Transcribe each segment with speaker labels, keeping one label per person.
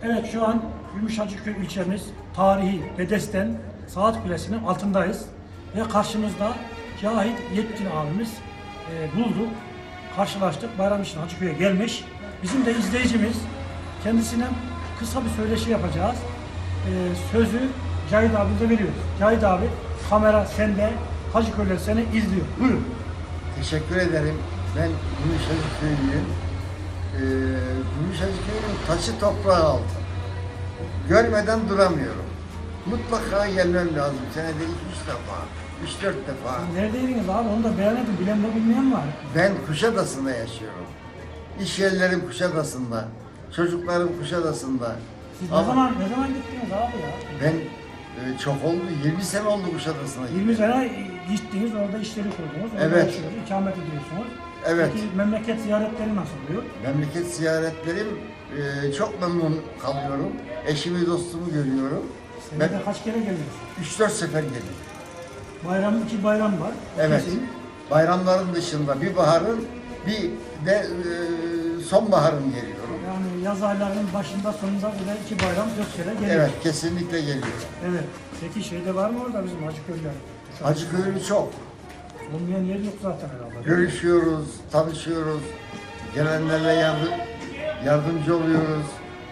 Speaker 1: Evet, şu an Gümüşhacıköy ilçemiz tarihi Bedesten Saat Kulesi'nin altındayız. Ve karşımızda Cahit Yetkin abimiz bulduk. Karşılaştık. Bayram için Hacıköy'e gelmiş. Bizim de izleyicimiz, kendisine kısa bir söyleşi yapacağız. Sözü Cahit abimize veriyoruz. Cahit abi, kamera sende, Hacıköy'ler seni izliyor. Buyurun.
Speaker 2: Teşekkür ederim. Ben Gümüşhacıköylüyüm. Gümüşhacıköy'ün taşı toprağı altı. Görmeden duramıyorum. Mutlaka gelmem lazım. Senede 2-3 defa, 3-4 defa.
Speaker 1: Neredeydiniz abi? Onu da beğenmedim. Bilen de bilmeyen var.
Speaker 2: Ben Kuşadası'nda yaşıyorum. İş yerlerim Kuşadası'nda. Çocuklarım Kuşadası'nda.
Speaker 1: Siz
Speaker 2: Ama
Speaker 1: ne zaman gittiniz abi ya?
Speaker 2: ben çok oldu, 20 sene oldu Kuşadası'na.
Speaker 1: 20 sene gittiniz, orada işleri kurdunuz, orada
Speaker 2: Evet.
Speaker 1: yaşıyorsunuz, ikamet ediyorsunuz.
Speaker 2: Evet.
Speaker 1: Peki memleket ziyaretleri nasıl oluyor?
Speaker 2: Memleket ziyaretlerim çok memnun kalıyorum. Eşimi, dostumu görüyorum.
Speaker 1: Senede kaç kere geliyorsunuz?
Speaker 2: 3-4 sefer geliyorum.
Speaker 1: Bayram, 2 bayram var.
Speaker 2: Evet.
Speaker 1: Kesin.
Speaker 2: Bayramların dışında bir baharın, bir de sonbaharın geliyorum.
Speaker 1: Yani yaz aylarının başında sonunda bile 2 bayram 4 kere geliyor.
Speaker 2: Evet, kesinlikle geliyorum.
Speaker 1: Evet. Peki şeyde var mı orada bizim Hacıköy'ler?
Speaker 2: Hacıköy'lü çok.
Speaker 1: Olmayan yer yok zaten herhalde.
Speaker 2: Görüşüyoruz, tanışıyoruz. Gelenlerle yardımcı oluyoruz.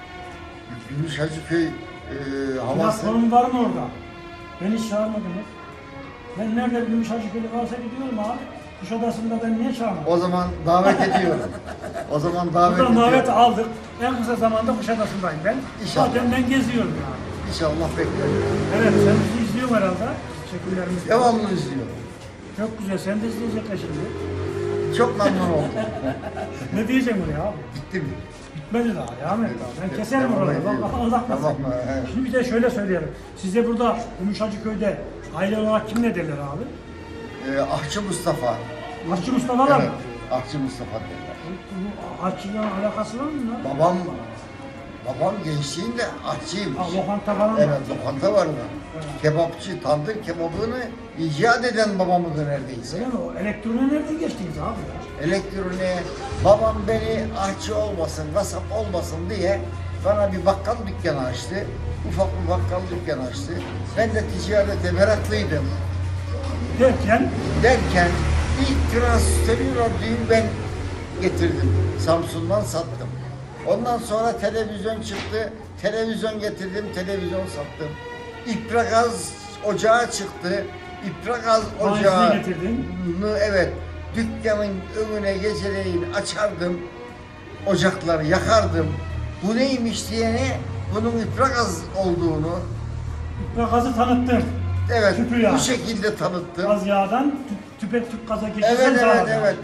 Speaker 2: Gümüş Hacıköy havası.
Speaker 1: Platform var mı orada? Beni hiç çağırmadınız. Ben nerede bir Gümüş Hacıköy'lü varsa gidiyorum abi. Kuşadası'nda ben niye çağırmadım?
Speaker 2: O zaman davet ediyorum. O zaman davet
Speaker 1: Buradan
Speaker 2: ediyorum.
Speaker 1: davet aldık. En kısa zamanda Kuşadası'ndayım ben.
Speaker 2: İnşallah.
Speaker 1: Zaten ben geziyorum yani.
Speaker 2: İnşallah bekliyorum.
Speaker 1: Evet, sen bizi izliyorsun herhalde. Teşekkürlerimiz.
Speaker 2: Devamlı izliyorum.
Speaker 1: Çok güzel, sen de izleyecekler şimdi.
Speaker 2: Çok memnun oldum.
Speaker 1: Ne diyeceğim buraya abi?
Speaker 2: Bitti mi?
Speaker 1: Bitmedi daha, devam et daha. Ben keserim
Speaker 2: Devam
Speaker 1: oraları,
Speaker 2: ediyorum.
Speaker 1: Allah uzatmasın.
Speaker 2: Tamam mı? Evet.
Speaker 1: Şimdi bir de şöyle söyleyelim. Size burada Gümüş Hacıköy'de aile olarak kim ne derler abi?
Speaker 2: Ahçı Mustafa.
Speaker 1: Aşçı Mustafa'lar mı?
Speaker 2: Ahçı Mustafa derler.
Speaker 1: Bu aşçıyla alakası var mı lan?
Speaker 2: Babam gençliğinde ahçıymış.
Speaker 1: Ha, lokanta falan
Speaker 2: Evet,
Speaker 1: var.
Speaker 2: lokanta vardı. Kebapçı, tandır kebabını icat eden babamızdı neredeyse.
Speaker 1: Öyle mi? O elektrona nereden geçtiniz abi ya?
Speaker 2: Elektroniğe babam beni ahçı olmasın, kasap olmasın diye bana bir bakkal dükkanı açtı. Ufak bir bakkal dükkanı açtı. Ben de ticarete meraklıydım. Derken ilk transistörü radyoyu ben getirdim. Samsun'dan sattım. Ondan sonra televizyon çıktı. Televizyon getirdim, televizyon sattım. İpragaz ocağı çıktı. İpragaz ocağı.
Speaker 1: Faizini getirdin.
Speaker 2: Evet. Dükkanın önüne geceleyin açardım. Ocakları yakardım. Bu neymiş diyene bunun İpragaz olduğunu,
Speaker 1: Gazı tanıttın.
Speaker 2: evet,
Speaker 1: Tüpü yağı.
Speaker 2: bu şekilde tanıttım.
Speaker 1: Gaz yağdan tüpe gaza geçirsen
Speaker 2: Evet,
Speaker 1: daha
Speaker 2: evet, evet.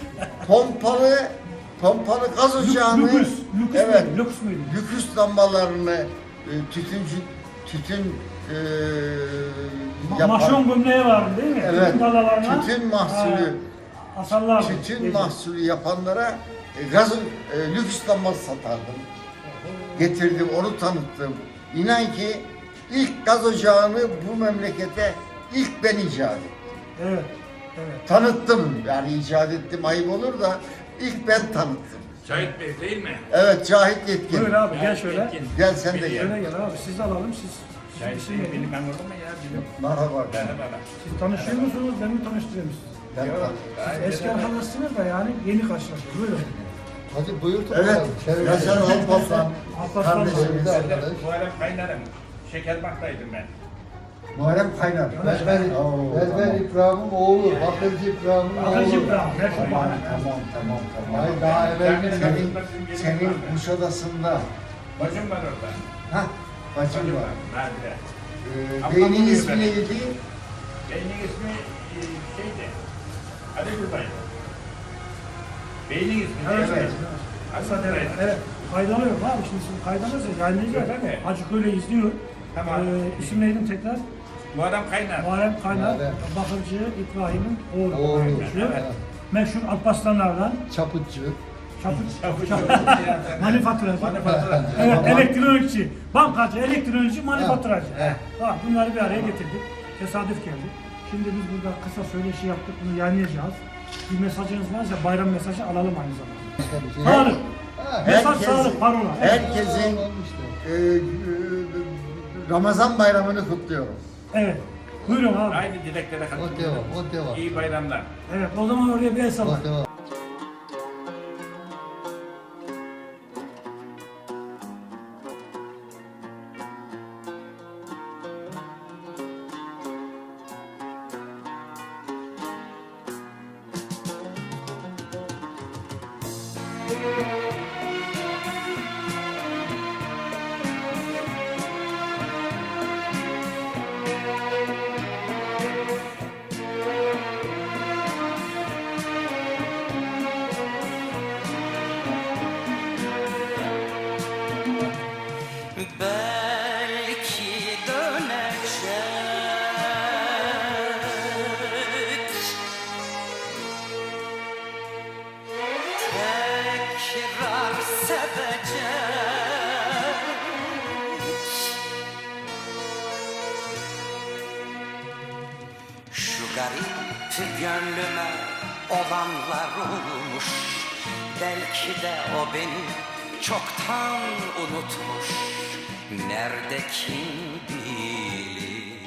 Speaker 2: Pompalı gaz ocağını,
Speaker 1: Lüküs
Speaker 2: evet,
Speaker 1: müydü? Lüks müydü?
Speaker 2: lüküs lambalarını, tütün yapan,
Speaker 1: Maşon gömleği vardı değil mi?
Speaker 2: evet,
Speaker 1: Tütün dalalarına,
Speaker 2: tütün mahsulü,
Speaker 1: asarlardı.
Speaker 2: tütün
Speaker 1: Gece.
Speaker 2: mahsulü yapanlara lüks lambası satardım. Getirdim, onu tanıttım. İnan ki ilk gaz ocağını bu memlekete ilk ben icat ettim.
Speaker 1: Evet. Evet.
Speaker 2: Tanıttım, yani icat ettim ayıp olur da ilk ben tanıttım.
Speaker 3: Cahit Bey değil mi?
Speaker 2: Evet, Cahit Yetkin.
Speaker 1: Buyur abi gel şöyle.
Speaker 2: Gel sen de gel.
Speaker 1: Şöyle gel abi siz alalım siz.
Speaker 3: Cahit
Speaker 1: Siz,
Speaker 3: Bey
Speaker 1: siz,
Speaker 3: benim ben orada mı ya? Biliyorum.
Speaker 2: Merhaba.
Speaker 3: Merhaba.
Speaker 1: siz tanışıyor musunuz? Ben mi tanıştırayım sizi?
Speaker 2: Ben
Speaker 3: Yok.
Speaker 1: Siz eski arkadaşsınız da yani yeni karşılaştık. Buyurun.
Speaker 4: Hadi buyur
Speaker 2: Evet,
Speaker 4: bakalım.
Speaker 2: Yaşar Alparslan
Speaker 1: Alparslan
Speaker 2: kardeşimiz.
Speaker 4: abi.
Speaker 3: Ben de bu ara kaynarım. Şekerbank'taydım ben.
Speaker 2: Muharrem Kaynar. Oo,
Speaker 4: Berber
Speaker 2: tamam.
Speaker 4: İbrahim'in oğlu, Bakırcı İbrahim'in oğlu.
Speaker 1: Bakırcı İbrahim.
Speaker 2: Tamam.
Speaker 4: Hayır, daha evvel
Speaker 2: Senin Kuşadası'nda,
Speaker 3: Bacım var orada.
Speaker 2: hah, bacım var.
Speaker 3: Nerede?
Speaker 2: Beynin ismi neydi?
Speaker 3: Beynin ismi şeydi. Ali Gülbay'dı. Beynin ismi
Speaker 1: Evet.
Speaker 3: neydi?
Speaker 1: Hasan
Speaker 3: Ali
Speaker 1: evet.
Speaker 3: Gülbay'dı.
Speaker 1: Evet. Kaydalıyorum abi şimdi siz kaydalırsanız yayınlayacağız.
Speaker 3: Tabii.
Speaker 1: Hacıköy'le izliyor.
Speaker 3: Tamam.
Speaker 1: İsim neydi tekrar?
Speaker 3: Muharrem Kaynar.
Speaker 1: Muharrem Kaynar,
Speaker 4: Muharrem.
Speaker 1: Bakırcı İbrahim'in oğlu.
Speaker 4: Oğlu.
Speaker 1: Meşhur.
Speaker 4: Evet.
Speaker 1: Meşhur Alparslanlardan.
Speaker 4: Çapıtçı.
Speaker 1: Manifaturacı.
Speaker 3: Manifaturacı.
Speaker 1: Evet,
Speaker 4: Tamam.
Speaker 1: elektronikçi, bankacı, elektronikçi, manifaturacı.
Speaker 4: Evet.
Speaker 1: Bak bunları bir araya getirdik. Tesadüf geldi. Şimdi biz burada kısa söyleşi yaptık, bunu yayınlayacağız. Bir mesajınız varsa bayram mesajı alalım aynı zamanda. Sağlık.
Speaker 4: Ha,
Speaker 1: Mesaj sağlık, parola. Evet.
Speaker 2: Herkesin Ramazan bayramını kutluyorum.
Speaker 1: Evet. Buyurun abi.
Speaker 3: Aynı dileklere
Speaker 4: O
Speaker 3: katılıyorum.
Speaker 4: devam, o devam.
Speaker 3: İyi bayramlar.
Speaker 1: Evet, o zaman oraya bir el sallayın.
Speaker 4: O devam.
Speaker 5: Belki dönecek, tekrar sevecek. Şu garip gönlüme olanlar olmuş, belki de o beni çoktan unutmuş. Nerede kim bilir?